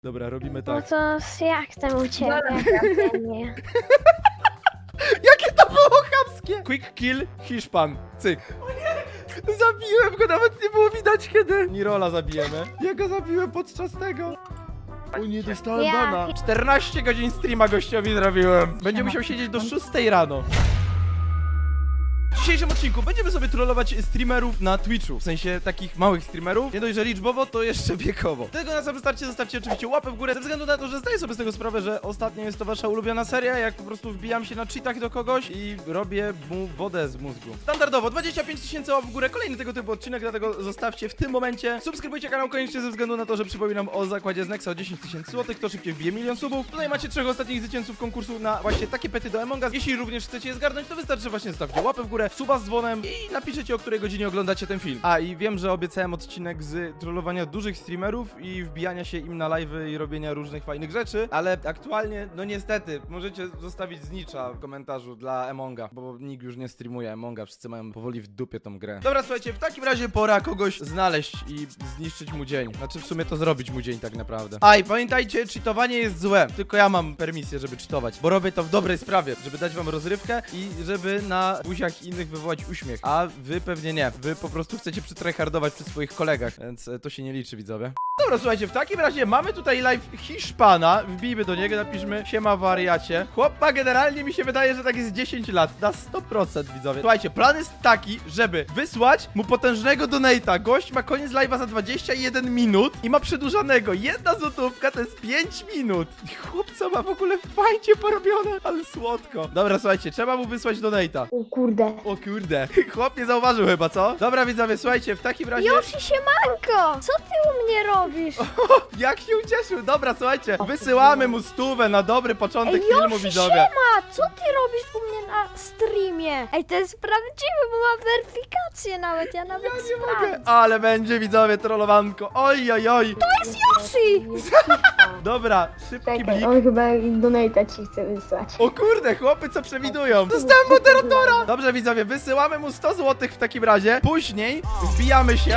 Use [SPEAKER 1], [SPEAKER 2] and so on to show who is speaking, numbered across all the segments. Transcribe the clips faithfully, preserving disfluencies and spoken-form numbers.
[SPEAKER 1] Dobra, robimy
[SPEAKER 2] No
[SPEAKER 1] tak.
[SPEAKER 2] to jak tam u ciebie? Nie.
[SPEAKER 1] Jakie to było chamskie! Quick kill Hiszpan. Cyk. O nie! Zabiłem go, nawet nie było widać kiedy. Nirola zabijemy. Ja go zabiłem podczas tego. O nie, dostałem
[SPEAKER 2] Ja-
[SPEAKER 1] bana. czternaście godzin streama gościowi zrobiłem. Będzie musiał siedzieć do szóstej rano. W dzisiejszym odcinku będziemy sobie trollować streamerów na Twitchu. W sensie takich małych streamerów. Nie dość, że liczbowo, to jeszcze wiekowo. Tego na samym starcie zostawcie oczywiście łapę w górę, ze względu na to, że zdaję sobie z tego sprawę, że ostatnio jest to wasza ulubiona seria, jak po prostu wbijam się na cheatach do kogoś i robię mu wodę z mózgu. Standardowo dwadzieścia pięć tysięcy łap w górę, kolejny tego typu odcinek, dlatego zostawcie w tym momencie. Subskrybujcie kanał koniecznie ze względu na to, że przypominam o zakładzie z Nexa o dziesięć tysięcy złotych, kto szybciej wbije milion subów. Tutaj macie trzech ostatnich zwycięzców konkursu na właśnie takie pety do Among Us. Jeśli również chcecie je zgarnąć, to wystarczy, że właśnie zostawcie łapę w górę, suba z dzwonem i napiszecie, o której godzinie oglądacie ten film. A i wiem, że obiecałem odcinek z trollowania dużych streamerów i wbijania się im na live'y i robienia różnych fajnych rzeczy, ale aktualnie, no niestety, możecie zostawić znicza w komentarzu dla Amonga, bo nikt już nie streamuje Amonga, wszyscy mają powoli w dupie tą grę. Dobra, słuchajcie, w takim razie pora kogoś znaleźć i zniszczyć mu dzień. Znaczy w sumie to zrobić mu dzień tak naprawdę. A i pamiętajcie, cheatowanie jest złe, tylko ja mam permisję, żeby cheatować, bo robię to w dobrej sprawie, żeby dać wam rozrywkę i żeby na buziach innych wywołać uśmiech, a wy pewnie nie. Wy po prostu chcecie przytryhardować przy swoich kolegach, więc e, to się nie liczy, widzowie. Dobra, słuchajcie, w takim razie mamy tutaj live Hiszpana, wbijmy do niego, napiszmy siema wariacie. Chłop ma generalnie, mi się wydaje, że tak jest dziesięć lat, na sto procent, widzowie. Słuchajcie, plan jest taki, żeby wysłać mu potężnego donate'a. Gość ma koniec live'a za dwadzieścia jeden minut i ma przedłużanego. Jedna złotówka to jest pięć minut. Chłopca ma w ogóle fajnie porobione, ale słodko. Dobra, słuchajcie, trzeba mu wysłać donate'a.
[SPEAKER 2] O kurde.
[SPEAKER 1] O kurde, chłop nie zauważył chyba, co? Dobra, widzowie, słuchajcie, w takim razie...
[SPEAKER 2] Yoshi siemanko! Co ty u mnie robisz?
[SPEAKER 1] Jak się ucieszył! Dobra, słuchajcie, wysyłamy mu stówę na dobry początek
[SPEAKER 2] Ej,
[SPEAKER 1] filmu,
[SPEAKER 2] Yoshi,
[SPEAKER 1] widzowie.
[SPEAKER 2] siema! Co ty robisz u mnie na streamie? Ej, to jest prawdziwe, bo mam weryfikację nawet, ja nawet
[SPEAKER 1] Nie
[SPEAKER 2] sprawdzę.
[SPEAKER 1] mogę, ale będzie, widzowie, trollowanko. Oj, oj, oj.
[SPEAKER 2] To jest Yoshi!
[SPEAKER 1] Dobra, szybki
[SPEAKER 3] Czekaj,
[SPEAKER 1] blik.
[SPEAKER 3] on chyba donate'a ci chce wysłać.
[SPEAKER 1] O kurde, chłopy, co przewidują? Dostałem moderatora! Dobrze, widzowie, wysyłamy mu sto złotych w takim razie. Później wbijamy się.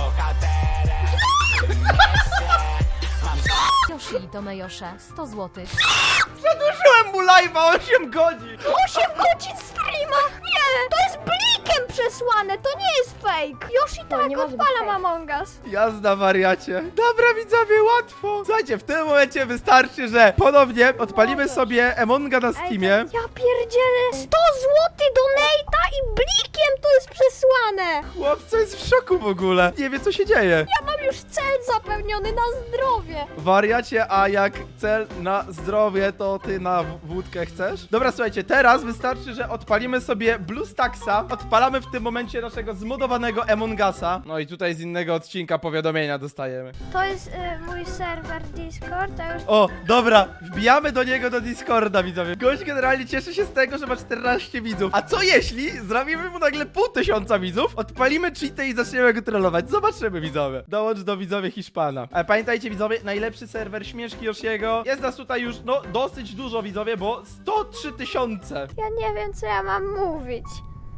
[SPEAKER 4] Yoshi to Mejosze, sto złotych.
[SPEAKER 1] Przedłużyłem mu live'a osiem godzin.
[SPEAKER 2] osiem godzin streama! Nie! To jest blikiem przesłane, to nie jest fake! Yoshi tak
[SPEAKER 3] nie może być
[SPEAKER 2] odpalam
[SPEAKER 3] fake.
[SPEAKER 2] Among Us.
[SPEAKER 1] Jazda, wariacie. Dobra, widzowie, łatwo. Słuchajcie, w tym momencie wystarczy, że ponownie odpalimy sobie Amonga na
[SPEAKER 2] Ej,
[SPEAKER 1] Steamie.
[SPEAKER 2] to- ja pierdzielę! sto złotych donate'a i blikiem to jest przesłane!
[SPEAKER 1] Chłopca jest w szoku w ogóle. Nie wie, co się dzieje.
[SPEAKER 2] Ja mam już cel zapewniony na zdrowie!
[SPEAKER 1] Wariacie, a jak cel na zdrowie, to ty na w- wódkę chcesz? Dobra, słuchajcie, teraz wystarczy, że odpalimy sobie BlueStacksa. Odpalamy w tym momencie naszego zmodowanego Among Usa. No i tutaj z innego odcinka powiadomienia dostajemy.
[SPEAKER 2] To jest y, mój serwer Discord, a już...
[SPEAKER 1] O, dobra, wbijamy do niego do Discorda, widzowie. Gość generalnie cieszy się z tego, że ma czternaście widzów. A co jeśli zrobimy mu nagle pół tysiąca widzów, odpalimy cheaty i zaczniemy go trollować? Zobaczymy, widzowie. Dołącz do widzowie Hiszpana. Ale pamiętajcie, widzowie, najlepszy serwer śmieszki Yoshiego. Jest nas tutaj już, no, dosyć dużo, widzowie, bo sto trzy tysiące.
[SPEAKER 2] Ja nie wiem, co ja mam mówić.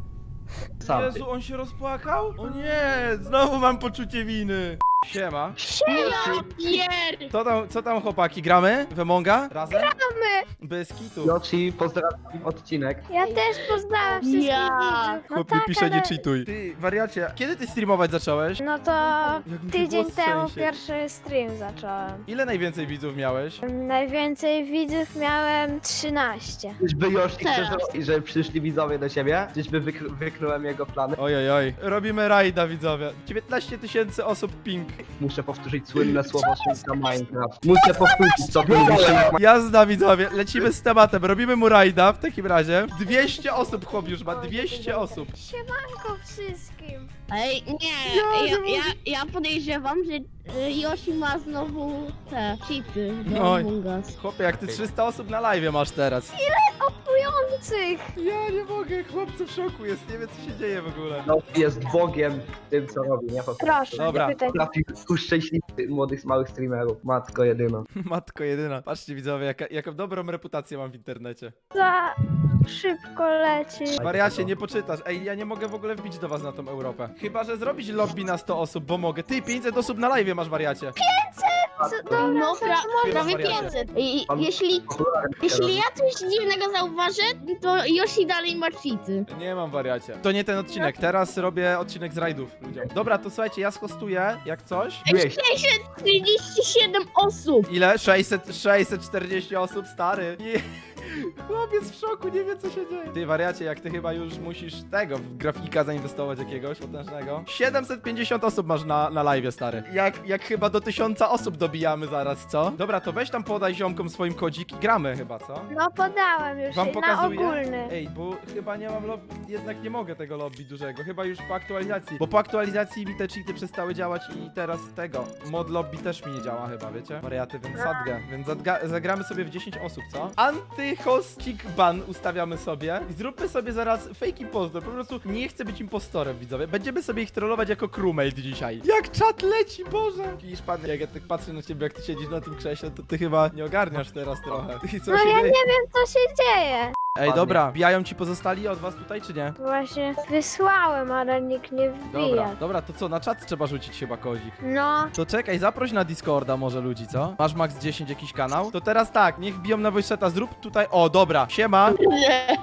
[SPEAKER 1] Jezu, on się rozpłakał? O nie, znowu mam poczucie winy. Siema.
[SPEAKER 2] Siema!
[SPEAKER 1] Co tam, co tam chłopaki, gramy? W Amonga? Razem?
[SPEAKER 2] Gramy!
[SPEAKER 1] Bez kitu.
[SPEAKER 5] Yoshi, pozdrawiam odcinek.
[SPEAKER 2] Ja też pozdrawiam wszystkich
[SPEAKER 3] Ja.
[SPEAKER 2] widzów. No
[SPEAKER 1] Chłop mi
[SPEAKER 2] tak,
[SPEAKER 1] pisze,
[SPEAKER 2] ale...
[SPEAKER 1] nie cheatuj. Ty, wariacie, kiedy ty streamować zacząłeś?
[SPEAKER 2] No to
[SPEAKER 1] mi się
[SPEAKER 2] tydzień
[SPEAKER 1] głos
[SPEAKER 2] temu
[SPEAKER 1] trzęsie.
[SPEAKER 2] pierwszy stream zacząłem.
[SPEAKER 1] Ile najwięcej widzów miałeś?
[SPEAKER 2] Najwięcej widzów miałem trzynaście.
[SPEAKER 5] Czyżby Yoshi chce, że- że przyszli widzowie do siebie? Czyżby wyk wyknąłem jego plany?
[SPEAKER 1] Oj, oj, oj. Robimy rajda, widzowie. dziewiętnaście tysięcy osób ping.
[SPEAKER 5] Muszę powtórzyć słynne słowo święta Minecraft. Muszę powtórzyć co to jest.
[SPEAKER 1] Jazda, widzowie. Lecimy z tematem. Robimy mu rajda w takim razie. dwieście osób chłop już ma. dwieście osób.
[SPEAKER 2] Siemanko wszystkim.
[SPEAKER 6] Ej, nie,
[SPEAKER 1] Ja nie
[SPEAKER 6] ja,
[SPEAKER 1] mogę.
[SPEAKER 6] ja, ja podejrzewam, że y, Yoshi ma znowu te cheaty do
[SPEAKER 1] Oj.
[SPEAKER 6] Among Us.
[SPEAKER 1] Chłopie, jak ty trzysta osób na live masz teraz.
[SPEAKER 2] Opłujących.
[SPEAKER 1] Ja nie mogę, chłopcy w szoku jest. Nie wie, co się dzieje w ogóle.
[SPEAKER 5] No, jest bogiem w tym, co robi, nie? Po prostu
[SPEAKER 2] Proszę,
[SPEAKER 1] Dobra.
[SPEAKER 2] nie pytaj.
[SPEAKER 5] trafił uszczęśliwić młodych, małych streamerów. Matko jedyna.
[SPEAKER 1] Matko jedyna. Patrzcie, widzowie, jaka, jaką dobrą reputację mam w internecie.
[SPEAKER 2] Za szybko leci.
[SPEAKER 1] Wariacie, nie poczytasz. Ej, ja nie mogę w ogóle wbić do was na tą Europę. Chyba, że zrobić lobby na sto osób, bo mogę. Ty, pięćset osób na live masz, wariacie.
[SPEAKER 2] Co, dobra,
[SPEAKER 6] No, pra, prawie
[SPEAKER 1] wariacie.
[SPEAKER 6] pięćset. I, jeśli, jeśli ja coś dziwnego zauważę, to Yoshi dalej ma cheaty.
[SPEAKER 1] Nie mam, wariacie. To nie ten odcinek. Teraz robię odcinek z rajdów ludziom. Dobra, to słuchajcie, ja schostuję, jak coś.
[SPEAKER 5] Dwieście.
[SPEAKER 6] sześćset trzydzieści siedem osób.
[SPEAKER 1] Ile? sześćset, sześćset czterdzieści osób, stary. Nie. Chłopiec w szoku, nie wie co się dzieje. Ty, wariacie, jak ty chyba już musisz tego, w grafika zainwestować jakiegoś potężnego. siedemset pięćdziesiąt osób masz na, na live, stary. Jak, jak chyba do tysiąca osób dobijamy zaraz, co? Dobra, to weź tam podaj ziomkom swoim kodzik i gramy chyba, co?
[SPEAKER 2] No podałem już
[SPEAKER 1] Wam
[SPEAKER 2] na
[SPEAKER 1] pokazuję?
[SPEAKER 2] ogólny.
[SPEAKER 1] Ej, bo chyba nie mam lobby, jednak nie mogę tego lobby dużego, chyba już po aktualizacji. Bo po aktualizacji mi te cheaty przestały działać i teraz tego, mod lobby też mi nie działa chyba, wiecie? Wariaty, więc zadgę, więc zadga, zagramy sobie w dziesięć osób, co? Antyhostik ban ustawiamy sobie i zróbmy sobie zaraz fake impostor, po prostu nie chcę być impostorem, widzowie. Będziemy sobie ich trollować jako crewmate dzisiaj. Jak czat leci, Boże! Hiszpan, jak ja tak patrzę na ciebie, jak ty siedzisz na tym krześle, to ty chyba nie ogarniasz teraz trochę. I co
[SPEAKER 2] No
[SPEAKER 1] się
[SPEAKER 2] ja
[SPEAKER 1] dzieje?
[SPEAKER 2] nie wiem co się dzieje.
[SPEAKER 1] Ej, dobra, wbijają ci pozostali od was tutaj, czy nie?
[SPEAKER 2] Właśnie wysłałem, ale nikt nie
[SPEAKER 1] Dobra,
[SPEAKER 2] wbija.
[SPEAKER 1] dobra, to co, na czat trzeba rzucić chyba kodzik.
[SPEAKER 2] No,
[SPEAKER 1] To czekaj, zaproś na Discorda może ludzi, co? Masz max dziesięć jakiś kanał? To teraz tak, niech biją na voice chata, zrób tutaj, o dobra, siema.
[SPEAKER 6] Nie.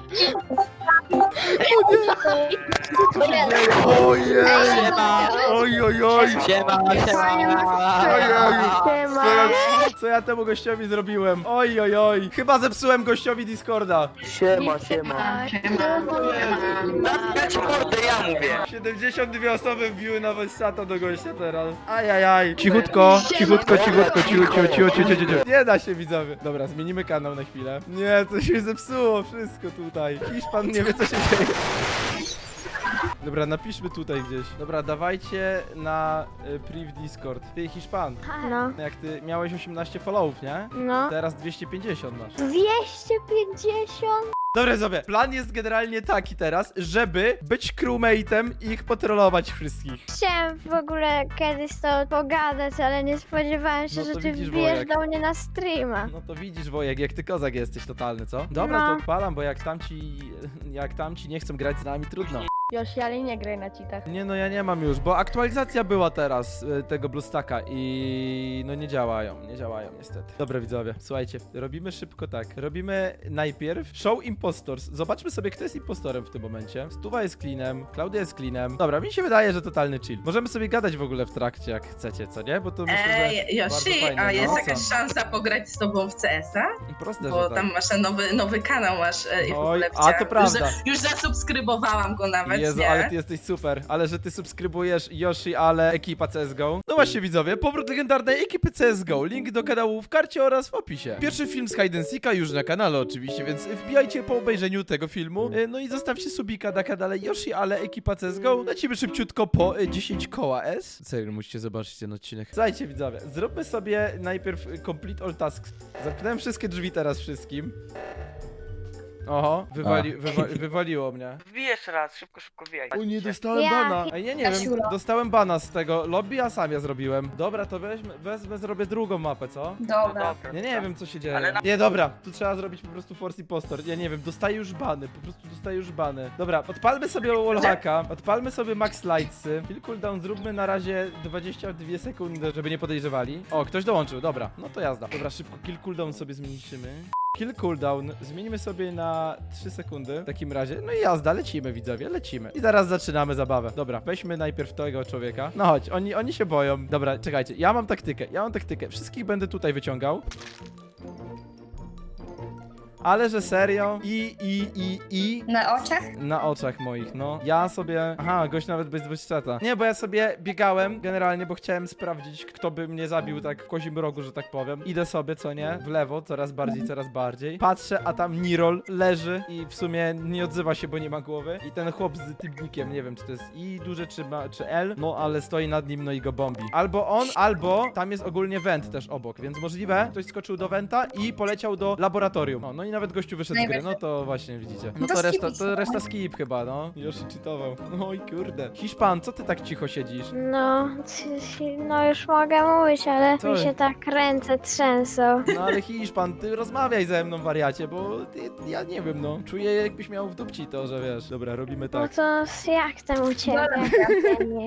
[SPEAKER 1] Ojej, oj, oj, oj.
[SPEAKER 5] Siema,
[SPEAKER 1] Ojeju. Co
[SPEAKER 2] siema.
[SPEAKER 1] ja, co ja temu gościowi zrobiłem? Oj, oj, oj. Chyba zepsułem gościowi Discorda.
[SPEAKER 5] Siema, siema.
[SPEAKER 7] Ja ci mordę, ja mówię.
[SPEAKER 1] siedemdziesiąt dwie osoby wbiły na voice chata do gościa teraz. Ajajaj. Cichutko, cichutko, cichutko, cichutko, cichutko, cichutko. Nie da się, widzowie. Dobra, zmienimy kanał na chwilę. Nie, to się zepsuło wszystko tutaj. Hiszpan nie wie co się dzieje. Dobra, napiszmy tutaj gdzieś. Dobra, dawajcie na y, priv Discord. Ty, Hiszpan,
[SPEAKER 2] No,
[SPEAKER 1] jak ty miałeś osiemnaście followów, nie?
[SPEAKER 2] no.
[SPEAKER 1] Teraz dwieście pięćdziesiąt masz.
[SPEAKER 2] dwieście pięćdziesiąt?
[SPEAKER 1] Dobra, sobie. Plan jest generalnie taki teraz, żeby być crewmate'em i ich potrolować wszystkich.
[SPEAKER 2] Chciałem w ogóle kiedyś to pogadać, ale nie spodziewałem się,
[SPEAKER 1] No to
[SPEAKER 2] że ty
[SPEAKER 1] widzisz,
[SPEAKER 2] wbijesz
[SPEAKER 1] Wojek.
[SPEAKER 2] do mnie na streama.
[SPEAKER 1] No to widzisz, Wojek, jak ty kozak jesteś totalny, co? Dobra,
[SPEAKER 2] No.
[SPEAKER 1] to odpalam, bo jak tamci, jak tamci nie chcą grać z nami, trudno.
[SPEAKER 8] Yoshi, ale nie graj na cheatach.
[SPEAKER 1] Nie no, ja nie mam już, bo aktualizacja była teraz y, tego BlueStacka i no nie działają, nie działają niestety. Dobra widzowie, słuchajcie, robimy szybko tak. Robimy najpierw Show Impostors. Zobaczmy sobie, kto jest impostorem w tym momencie. Stuwa jest cleanem, Klaudia jest cleanem. Dobra, mi się wydaje, że totalny chill. Możemy sobie gadać w ogóle w trakcie, jak chcecie, co nie? Bo to myślę, że
[SPEAKER 7] Ej,
[SPEAKER 1] bardzo
[SPEAKER 7] Yoshi,
[SPEAKER 1] fajne.
[SPEAKER 7] a jest
[SPEAKER 1] No,
[SPEAKER 7] jakaś
[SPEAKER 1] co?
[SPEAKER 7] szansa pograć z tobą w C S a?
[SPEAKER 1] Proste,
[SPEAKER 7] Bo
[SPEAKER 1] że tak.
[SPEAKER 7] tam masz ten nowy, nowy kanał masz e, i w
[SPEAKER 1] Oj,
[SPEAKER 7] ogóle
[SPEAKER 1] a to
[SPEAKER 7] widziałam.
[SPEAKER 1] prawda.
[SPEAKER 7] Już, już zasubskrybowałam go nawet,
[SPEAKER 1] Jezu,
[SPEAKER 7] nie?
[SPEAKER 1] ale ty jesteś super. Ale że ty subskrybujesz Yoshi, ale ekipa C S G O. No właśnie widzowie, powrót legendarnej ekipy C S G O. Link do kanału w karcie oraz w opisie. Pierwszy film z Hide and Seeka już na kanale oczywiście, więc wbijajcie po obejrzeniu tego filmu. E, No i zostawcie subika na kanale Yoshi, ale ekipa C S G O. Lecimy szybciutko po e, dziesięć koła S. Serio, musicie zobaczyć ten odcinek. Słuchajcie widzowie, zróbmy sobie najpierw e, complete all tasks. Zamknąłem wszystkie drzwi teraz wszystkim. Oho, wywali, wywa, wywaliło mnie.
[SPEAKER 9] Wbij jeszcze raz, szybko, szybko wbijaj.
[SPEAKER 1] O nie, dostałem
[SPEAKER 2] Ja-
[SPEAKER 1] bana. Ej, nie, nie wiem, dostałem bana z tego lobby, a sam ja zrobiłem. Dobra, to weźmy, wezmę, zrobię drugą mapę, co?
[SPEAKER 9] Dobra.
[SPEAKER 1] Nie, nie wiem, co się dzieje.
[SPEAKER 9] Ale na-
[SPEAKER 1] Nie, dobra, tu trzeba zrobić po prostu force impostor. Ja nie wiem, dostaję już bany, po prostu dostaję już bany. Dobra, odpalmy sobie wallhacka, odpalmy sobie max lightsy. Kill cooldown zróbmy na razie dwadzieścia dwie sekundy, żeby nie podejrzewali. O, ktoś dołączył, dobra, no to jazda. Dobra, szybko kill cooldown sobie zmniejszymy. Kill cooldown zmienimy sobie na trzy sekundy w takim razie. No i jazda, lecimy widzowie, lecimy. I zaraz zaczynamy zabawę. Dobra, weźmy najpierw tego człowieka. No chodź, oni, oni się boją. Dobra, czekajcie, ja mam taktykę, ja mam taktykę. Wszystkich będę tutaj wyciągał. Ale że serio? I, i, i, i...
[SPEAKER 8] Na oczach?
[SPEAKER 1] Na oczach moich, no. Ja sobie... Aha, gość nawet bez wyszczeta. Nie, bo ja sobie biegałem generalnie, bo chciałem sprawdzić, kto by mnie zabił tak w kozim rogu, że tak powiem. Idę sobie, co nie? W lewo, coraz bardziej, coraz bardziej. Patrzę, a tam Nirol leży i w sumie nie odzywa się, bo nie ma głowy. I ten chłop z tym nickiem, nie wiem, czy to jest I duże, czy, ma, czy L, no ale stoi nad nim, no i go bombi. Albo on, albo tam jest ogólnie went też obok, więc możliwe, ktoś skoczył do wenta i poleciał do laboratorium. No, no i nawet gościu wyszedł z gry, no to właśnie widzicie. No to reszta, to reszta skip chyba, no. Yoshi cheatował. Oj kurde. Hiszpan, co ty tak cicho siedzisz?
[SPEAKER 2] No, c- c- no już mogę mówić, ale
[SPEAKER 1] Co?
[SPEAKER 2] mi się tak ręce trzęsą.
[SPEAKER 1] No ale Hiszpan, ty rozmawiaj ze mną, wariacie, bo ty, ja nie wiem, no. Czuję, jakbyś miał w dupci to, że wiesz. Dobra, robimy
[SPEAKER 2] No
[SPEAKER 1] tak.
[SPEAKER 2] to jak tam u ciebie? Nie.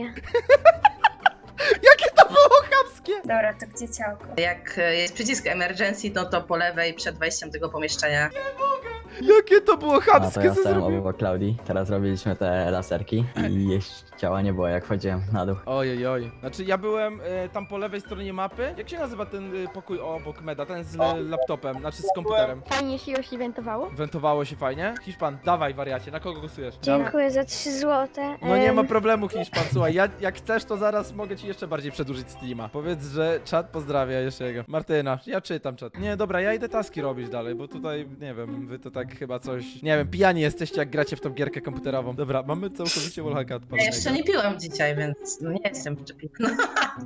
[SPEAKER 1] Jakie to było chamskie!
[SPEAKER 10] Dobra, to gdzie ciałko?
[SPEAKER 7] Jak e, jest przycisk emergency, no to po lewej przed wejściem do tego pomieszczenia.
[SPEAKER 1] Jakie to było
[SPEAKER 11] A to
[SPEAKER 1] chamskie,
[SPEAKER 11] ja
[SPEAKER 1] co
[SPEAKER 11] stałem
[SPEAKER 1] zrobił?
[SPEAKER 11] obok Klaudii, teraz robiliśmy te laserki i jeszcze ciała nie było jak wchodziłem na dół.
[SPEAKER 1] Ojej, oj. Znaczy ja byłem e, tam po lewej stronie mapy. Jak się nazywa ten e, pokój obok Meda? Ten z
[SPEAKER 5] O.
[SPEAKER 1] e, laptopem, znaczy z komputerem.
[SPEAKER 8] Fajnie się już eventowało?
[SPEAKER 1] Wentowało się fajnie. Hiszpan, dawaj wariacie, na kogo głosujesz? Dawaj.
[SPEAKER 2] Dziękuję za trzy złote.
[SPEAKER 1] No nie ma
[SPEAKER 2] Em,
[SPEAKER 1] problemu, Hiszpan, słuchaj, ja, jak chcesz, to zaraz mogę ci jeszcze bardziej przedłużyć streama. Powiedz, że czat pozdrawia jeszcze jego. Martyna, ja czytam czat. Nie, dobra, ja idę taski robić dalej, bo tutaj, nie wiem, wy to tak chyba coś, nie wiem, pijani jesteście, jak gracie w tą gierkę komputerową. Dobra, mamy całkowicie wallhacka
[SPEAKER 7] Ja
[SPEAKER 1] odpalonego.
[SPEAKER 7] jeszcze nie piłam dzisiaj, więc no nie jestem przyczepiona.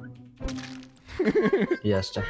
[SPEAKER 11] Jeszcze.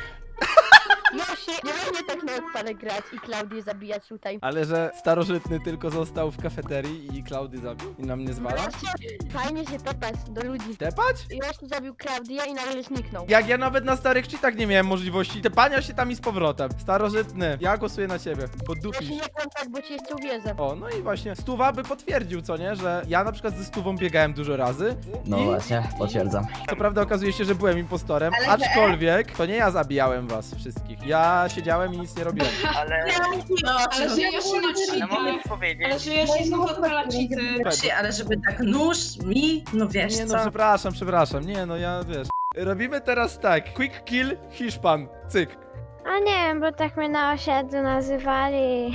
[SPEAKER 8] Yoshi, nie można tak na odpale grać i Klaudię zabijać tutaj.
[SPEAKER 1] Ale że starożytny tylko został w kafeterii i Klaudy zabił i na mnie zwala?
[SPEAKER 8] Fajnie się tepać do ludzi.
[SPEAKER 1] Tepać?
[SPEAKER 8] Yoshi zabił Klaudię i nagle zniknął.
[SPEAKER 1] Jak ja nawet na starych cheatach nie miałem możliwości tepania się tam i z powrotem. Starożytny, ja głosuję na ciebie.
[SPEAKER 8] Yoshi
[SPEAKER 1] Poddupisz.
[SPEAKER 8] nie kontakt, bo ci jeszcze uwierzę.
[SPEAKER 1] O, no i właśnie, Stuwa by potwierdził, co nie? Że ja na przykład ze Stuwą biegałem dużo razy.
[SPEAKER 11] No
[SPEAKER 1] I
[SPEAKER 11] właśnie, potwierdzam.
[SPEAKER 1] co prawda okazuje się, że byłem impostorem, aczkolwiek to nie ja zabijałem was wszystkich. Ja siedziałem i nic nie robiłem.
[SPEAKER 9] Ale,
[SPEAKER 7] No,
[SPEAKER 6] Ale że ja się
[SPEAKER 9] ale
[SPEAKER 6] na
[SPEAKER 9] mogę ci powiedzieć,
[SPEAKER 6] Ale że Yoshi znowu odpala cheaty.
[SPEAKER 7] Właśnie, ale żeby tak nóż mi, no wiesz
[SPEAKER 1] Nie no,
[SPEAKER 7] co?
[SPEAKER 1] przepraszam, przepraszam. Nie no, ja wiesz. Robimy teraz tak. Quick kill Hiszpan. Cyk.
[SPEAKER 2] A nie wiem, bo tak mnie na osiedlu nazywali.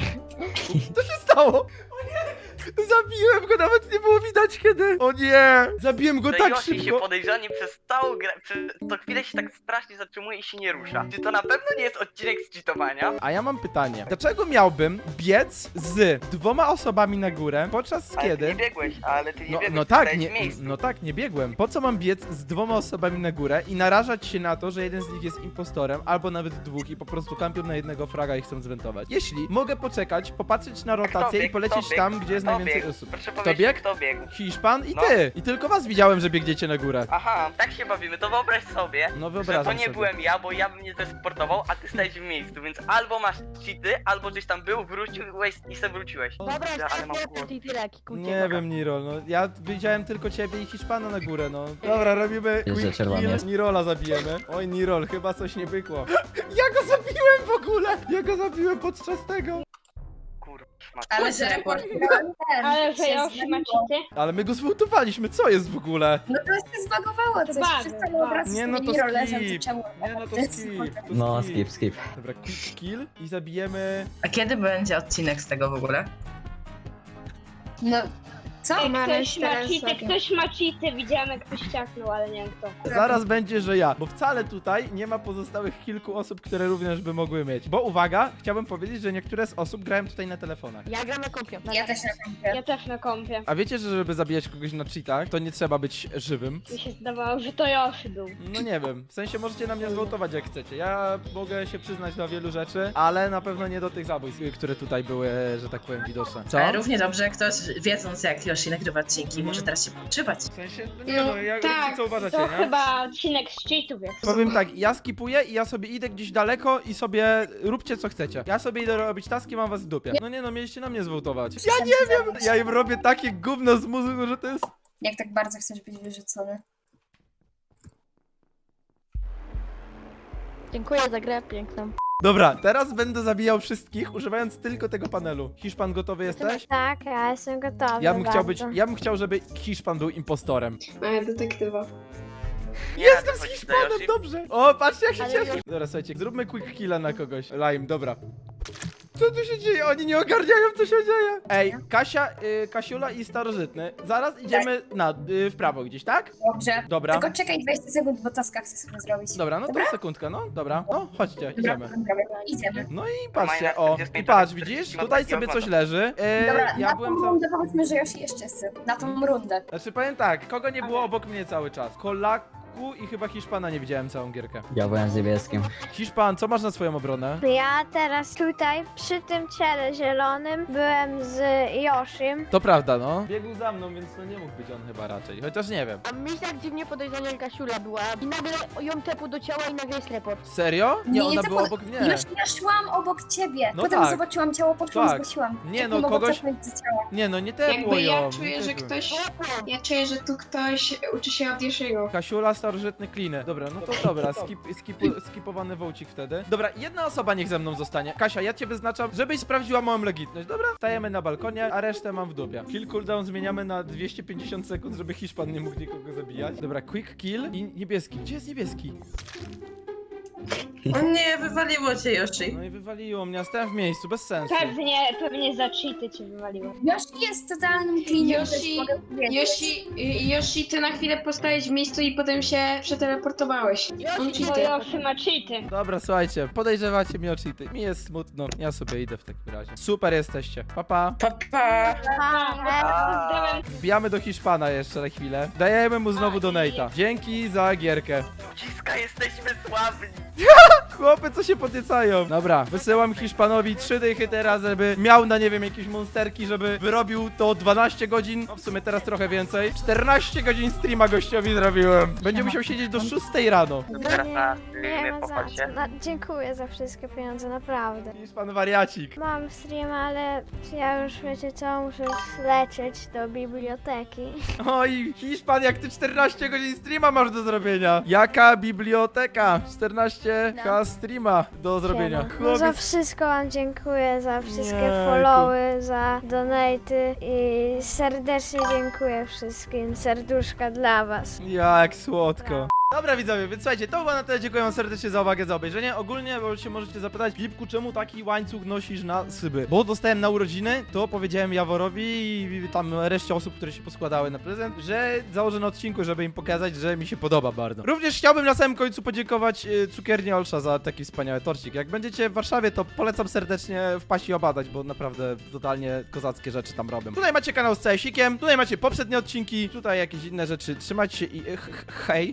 [SPEAKER 1] Co się stało? O nie! Zabiłem go, nawet nie było widać kiedy. O nie! Zabiłem go
[SPEAKER 9] że
[SPEAKER 1] tak
[SPEAKER 9] Yoshi się
[SPEAKER 1] szybko.
[SPEAKER 9] podejrzanie przez całą grę, przez to chwilę się tak strasznie zatrzymuje i się nie rusza. Czy to na pewno nie jest odcinek z cheatowania?
[SPEAKER 1] A ja mam pytanie. Dlaczego miałbym biec z dwoma osobami na górę, podczas
[SPEAKER 9] Ale ty
[SPEAKER 1] kiedy...
[SPEAKER 9] nie biegłeś, ale ty nie
[SPEAKER 1] No,
[SPEAKER 9] biegłeś,
[SPEAKER 1] no
[SPEAKER 9] ty
[SPEAKER 1] tak,
[SPEAKER 9] stałeś
[SPEAKER 1] nie,
[SPEAKER 9] w miejscu.
[SPEAKER 1] no tak, nie biegłem. Po co mam biec z dwoma osobami na górę i narażać się na to, że jeden z nich jest impostorem, albo nawet dwóch i po prostu kampią na jednego fraga i chcą zwentować? Jeśli mogę poczekać, popatrzeć na
[SPEAKER 9] Kto
[SPEAKER 1] rotację i
[SPEAKER 9] biegł?
[SPEAKER 1] polecieć
[SPEAKER 9] Kto biegł?
[SPEAKER 1] tam, gdzie jest
[SPEAKER 9] Kto
[SPEAKER 1] najwięcej
[SPEAKER 9] biegł?
[SPEAKER 1] osób.
[SPEAKER 9] Proszę
[SPEAKER 1] Kto
[SPEAKER 9] powiedzieć,
[SPEAKER 1] biegł?
[SPEAKER 9] kto biegł?
[SPEAKER 1] Hiszpan i
[SPEAKER 9] No.
[SPEAKER 1] ty! I tylko was widziałem, że biegniecie na górę.
[SPEAKER 9] Aha, tak się bawimy, to wyobraź sobie,
[SPEAKER 1] No
[SPEAKER 9] że
[SPEAKER 1] wyobrażam
[SPEAKER 9] to nie
[SPEAKER 1] sobie.
[SPEAKER 9] byłem ja, bo ja bym nie zesportował, a ty stałeś w miejscu, więc albo masz cheaty, albo gdzieś tam był, wróciłeś i se wróciłeś.
[SPEAKER 8] Dobra,
[SPEAKER 9] Ja, ale mam
[SPEAKER 8] jeszcze
[SPEAKER 9] głos.
[SPEAKER 8] i tyle, kikucie.
[SPEAKER 1] Nie wiem, Nirol, no ja widziałem tylko ciebie i Hiszpana na górę, no. Dobra, robimy
[SPEAKER 11] Jest, że
[SPEAKER 1] quick
[SPEAKER 11] czerwony
[SPEAKER 1] kill,
[SPEAKER 11] jest.
[SPEAKER 1] Nirola zabijemy. Oj, Nirol, chyba coś nie bykło. Ja go zabiłem w ogóle! Ja go zabiłem podczas tego!
[SPEAKER 9] Kurwa, szmat.
[SPEAKER 7] Ale że report.
[SPEAKER 6] Ale że Yoshi ma cheaty?
[SPEAKER 1] Ale my go zwołtowaliśmy, co jest w ogóle?
[SPEAKER 10] No to się zbagowało coś,
[SPEAKER 6] Bug,
[SPEAKER 10] przestało
[SPEAKER 6] bug.
[SPEAKER 10] obraz
[SPEAKER 1] Nie no, to
[SPEAKER 10] Miro leżał,
[SPEAKER 1] skip.
[SPEAKER 10] zaczęło.
[SPEAKER 1] Nie no, to skip. To
[SPEAKER 11] No skip, skip.
[SPEAKER 1] Dobra, quick kill i zabijemy...
[SPEAKER 7] A kiedy będzie odcinek z tego w ogóle?
[SPEAKER 10] No, co?
[SPEAKER 6] Ej,
[SPEAKER 10] Mamy
[SPEAKER 6] ktoś ma
[SPEAKER 10] teraz
[SPEAKER 6] cheaty,
[SPEAKER 10] takie-
[SPEAKER 6] ktoś ma cheaty, widziałem jak ktoś ciachnął, ale nie wiem kto.
[SPEAKER 1] Zaraz będzie, że ja, bo wcale tutaj nie ma pozostałych kilku osób, które również by mogły mieć. Bo uwaga, chciałbym powiedzieć, że niektóre z osób grają tutaj na telefonach.
[SPEAKER 8] Ja gram na kompie.
[SPEAKER 10] Ja też na kompie.
[SPEAKER 6] Ja też na kompie.
[SPEAKER 1] A wiecie, że żeby zabijać kogoś na cheatach, to nie trzeba być żywym?
[SPEAKER 6] Mi się zdawało, że to Yoshi był.
[SPEAKER 1] No nie wiem, w sensie możecie na mnie zwołtować jak chcecie. Ja mogę się przyznać do wielu rzeczy, ale na pewno nie do tych zabójstw, które tutaj były, że tak powiem, widoczne. Co?
[SPEAKER 7] E, równie dobrze, jak ktoś wiedząc jak Yoshi nagrywa odcinki,
[SPEAKER 1] Mhm.
[SPEAKER 7] może teraz się podszywać.
[SPEAKER 1] W sensie, no nie
[SPEAKER 6] No,
[SPEAKER 1] no, jak
[SPEAKER 6] tak,
[SPEAKER 1] co uważacie,
[SPEAKER 6] To
[SPEAKER 1] nie?
[SPEAKER 6] chyba odcinek z cheatów jest.
[SPEAKER 1] Powiem tak, ja skipuję i ja sobie idę gdzieś daleko i sobie róbcie co chcecie. Ja sobie idę robić taski, mam was w dupie. No nie no, mieliście na mnie zwołtować. Ja nie wiem! Ja im robię takie gówno z muzyką, że to jest...
[SPEAKER 10] Jak tak bardzo chcesz być wyrzucony.
[SPEAKER 8] Dziękuję za grę piękną.
[SPEAKER 1] Dobra, teraz będę zabijał wszystkich, używając tylko tego panelu. Hiszpan, gotowy jesteś?
[SPEAKER 2] Tak, ja jestem gotowa.
[SPEAKER 1] Ja bym chciał być,
[SPEAKER 2] bardzo.
[SPEAKER 1] ja bym chciał, żeby Hiszpan był impostorem.
[SPEAKER 3] A ja detektywa.
[SPEAKER 9] Nie
[SPEAKER 1] Jestem
[SPEAKER 9] radzę
[SPEAKER 1] z
[SPEAKER 9] chodzić
[SPEAKER 1] Hiszpanem,
[SPEAKER 9] za Yoshi.
[SPEAKER 1] dobrze! O, patrzcie jak się
[SPEAKER 8] Ale
[SPEAKER 1] cieszę!
[SPEAKER 8] już-
[SPEAKER 1] Dobra, słuchajcie, zróbmy quick killa na kogoś. Lime, dobra. Co tu się dzieje? Oni nie ogarniają, co się dzieje. Ej, Kasia, y, Kasiula i Starożytny. Zaraz idziemy na, y, w prawo gdzieś, tak?
[SPEAKER 10] Dobrze.
[SPEAKER 1] Dobra.
[SPEAKER 10] Tylko czekaj dwadzieścia sekund, bo taska chcę sobie zrobić.
[SPEAKER 1] Dobra, no to
[SPEAKER 10] Dobra?
[SPEAKER 1] sekundka, no, dobra. No, chodźcie, idziemy.
[SPEAKER 10] Dobra, idziemy.
[SPEAKER 1] No i patrzcie,
[SPEAKER 9] Majna
[SPEAKER 1] o,
[SPEAKER 9] czterdzieści
[SPEAKER 1] i
[SPEAKER 9] pięć
[SPEAKER 1] patrz,
[SPEAKER 9] lat,
[SPEAKER 1] widzisz?
[SPEAKER 9] czterdzieści
[SPEAKER 1] Tutaj
[SPEAKER 9] lat
[SPEAKER 1] sobie
[SPEAKER 9] takiego
[SPEAKER 1] coś leży. E,
[SPEAKER 10] Dobra,
[SPEAKER 1] ja
[SPEAKER 10] na
[SPEAKER 1] byłem
[SPEAKER 10] tą
[SPEAKER 1] cał...
[SPEAKER 10] rundę powiedzmy, że Yoshi jeszcze chce. Na tą rundę.
[SPEAKER 1] Znaczy powiem tak, kogo nie było obok mnie cały czas? Kola... smoku i chyba Hiszpana nie widziałem całą gierkę.
[SPEAKER 11] Ja byłem z niebieskim.
[SPEAKER 1] Hiszpan, co masz na swoją obronę?
[SPEAKER 2] Ja teraz tutaj przy tym ciele zielonym byłem z Yoshim.
[SPEAKER 1] To prawda, no. Biegł za mną, więc no nie mógł być on chyba raczej, chociaż nie wiem.
[SPEAKER 8] A mi tak dziwnie podejrzana Kasiula była i nagle ją tepu do ciała i nagle jest report.
[SPEAKER 1] Serio? Nie, ona
[SPEAKER 10] to
[SPEAKER 1] była
[SPEAKER 10] po-
[SPEAKER 1] obok mnie.
[SPEAKER 10] Już ja szłam obok ciebie.
[SPEAKER 1] No
[SPEAKER 10] Potem
[SPEAKER 1] tak.
[SPEAKER 10] zobaczyłam ciało, poszłam,
[SPEAKER 1] Tak.
[SPEAKER 10] zgłosiłam.
[SPEAKER 1] Nie,
[SPEAKER 10] Jak
[SPEAKER 1] no,
[SPEAKER 10] mogłam
[SPEAKER 1] kogoś-
[SPEAKER 10] cofnąć do ciała?
[SPEAKER 1] Nie no, nie tepło ją.
[SPEAKER 12] Jakby ja czuję,
[SPEAKER 1] nie
[SPEAKER 12] że
[SPEAKER 1] tepło.
[SPEAKER 12] ktoś... Ja czuję, że tu ktoś uczy się od Yoshiego.
[SPEAKER 1] Kasiula, starożytny kliny. Dobra, no to dobra, skip, skip, skipowany wołcik wtedy. Dobra, jedna osoba niech ze mną zostanie. Kasia, ja cię wyznaczam, żebyś sprawdziła moją legitność. Dobra? Stajemy na balkonie, a resztę mam w dupie. Kill cooldown zmieniamy na dwieście pięćdziesiąt sekund, żeby Hiszpan nie mógł nikogo zabijać. Dobra, quick kill i niebieski. Gdzie jest niebieski?
[SPEAKER 7] O nie, wywaliło cię Yoshi.
[SPEAKER 1] No i wywaliło mnie, a stałem w miejscu, bez sensu.
[SPEAKER 2] Pewnie, pewnie za cheaty cię wywaliło.
[SPEAKER 10] Yoshi jest totalnym cleanem,
[SPEAKER 12] Yoshi-
[SPEAKER 10] też mogę powiedzieć.
[SPEAKER 12] Yoshi, y, Yoshi, ty na chwilę postałeś w miejscu i potem się przeteleportowałeś. On cheaty.
[SPEAKER 2] ma cheaty.
[SPEAKER 1] Dobra, słuchajcie, podejrzewacie mnie o cheaty. Mi jest smutno. Ja sobie idę w takim razie. Super jesteście. Pa, pa.
[SPEAKER 7] Papa.
[SPEAKER 1] Wbijamy do Hiszpana jeszcze na chwilę. Dajemy mu znowu donate'a. Dzięki za gierkę.
[SPEAKER 9] Ludziska, jesteśmy sławni.
[SPEAKER 1] Chłopy, co się podniecają? Dobra, wysyłam Hiszpanowi trzy dychy teraz, żeby miał na, nie wiem, jakieś monsterki, żeby wyrobił to dwanaście godzin, no w sumie teraz trochę więcej. czternaście godzin streama gościowi zrobiłem. Będzie musiał siedzieć do szóstej rano.
[SPEAKER 9] Teraz na
[SPEAKER 2] Nie
[SPEAKER 9] streamie,
[SPEAKER 2] ma za
[SPEAKER 9] popatrz
[SPEAKER 2] co.
[SPEAKER 9] się.
[SPEAKER 2] Na, dziękuję za wszystkie pieniądze, naprawdę.
[SPEAKER 1] Hiszpan wariacik.
[SPEAKER 2] Mam stream, ale ja już wiecie co, muszę lecieć do biblioteki.
[SPEAKER 1] Oj, Hiszpan, jak ty czternaście godzin streama masz do zrobienia. Jaka biblioteka? czternaście K streama do zrobienia.
[SPEAKER 2] No za
[SPEAKER 1] Chłopiec,
[SPEAKER 2] wszystko wam dziękuję, za wszystkie
[SPEAKER 1] Jejku.
[SPEAKER 2] followy, za donaty i serdecznie dziękuję wszystkim. Serduszka dla was.
[SPEAKER 1] jak słodko. Dobra widzowie, więc słuchajcie, to było na tyle, dziękuję wam serdecznie za uwagę, za obejrzenie. Ogólnie, bo się możecie zapytać, Lipku, czemu taki łańcuch nosisz na szyby? Bo dostałem na urodziny, to powiedziałem Jaworowi i tam reszcie osób, które się poskładały na prezent, że założę na odcinku, żeby im pokazać, że mi się podoba bardzo. Również chciałbym na samym końcu podziękować y, cukierni Olsza za taki wspaniały torcik. Jak będziecie w Warszawie, to polecam serdecznie wpaść i obadać, bo naprawdę totalnie kozackie rzeczy tam robią. Tutaj macie kanał z C S ikiem, tutaj macie poprzednie odcinki, tutaj jakieś inne rzeczy. Trzymajcie się i ch- ch- hej.